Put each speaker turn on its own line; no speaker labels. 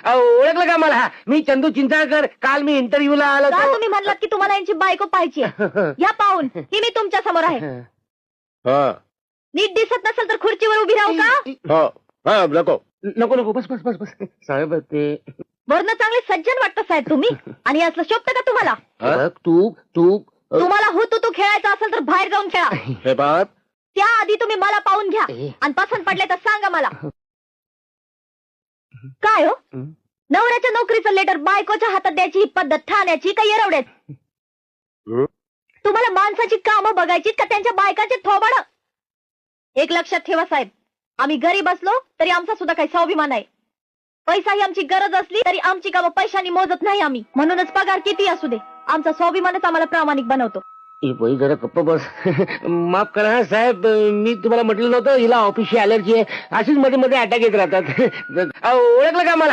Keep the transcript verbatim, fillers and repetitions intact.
अहो, ओळखलं का मला? मी चंदू चिंचाळकर. काल मी इंटरव्ह्यूला आलो
का
होतो.
तुम्ही म्हणलात की तुम्हाला यांची बायको पाहिजे? या पाहून ही मी तुमच्या समोर आहे.
हा
नीट दिसत नसेल तर खुर्चीवर उभी राहू का?
हा हा नको.
नको नको बस बस बस बस साहेब ते
वरनं चांगले सज्जन वाटतं साहेब तुम्ही, आणि असलं शोभतं का तुम्हाला?
बघ, तू तू
तुम्हाला हो तू तू खेळायचं असेल तर बाहेर जाऊन खेळा.
हे बाप
त्याआधी तुम्ही मला पाहून घ्या आणि पसंत पडले तर सांगा मला. काय हो, नवऱ्याच्या नोकरीचं लेटर बायकोच्या हातात द्यायची ही पद्धत ठाण्याची का येरवड्याची? तुम्हाला माणसाची कामं बघायची का त्यांच्या बायकाचे थोबाड? एक लक्षात ठेवा साहेब, आम्ही गरीब असलो तरी आमचा सुद्धा काही स्वाभिमान आहे. पैसा ही आमची गरज असली तरी आमची कामं पैशानी मोजत नाही आम्ही. म्हणूनच पगार किती असू दे, आमचा स्वाभिमानच आम्हाला प्रामाणिक बनवतो.
ए बाई जरा गप्प बस. माफ करा हा साहेब, मी तुम्हाला म्हटलं नव्हतं हिला ऑफिसची अलर्जी आहे. अशीच मध्ये मध्ये अटॅक येत राहतात. अहो, ओळखलं का मला?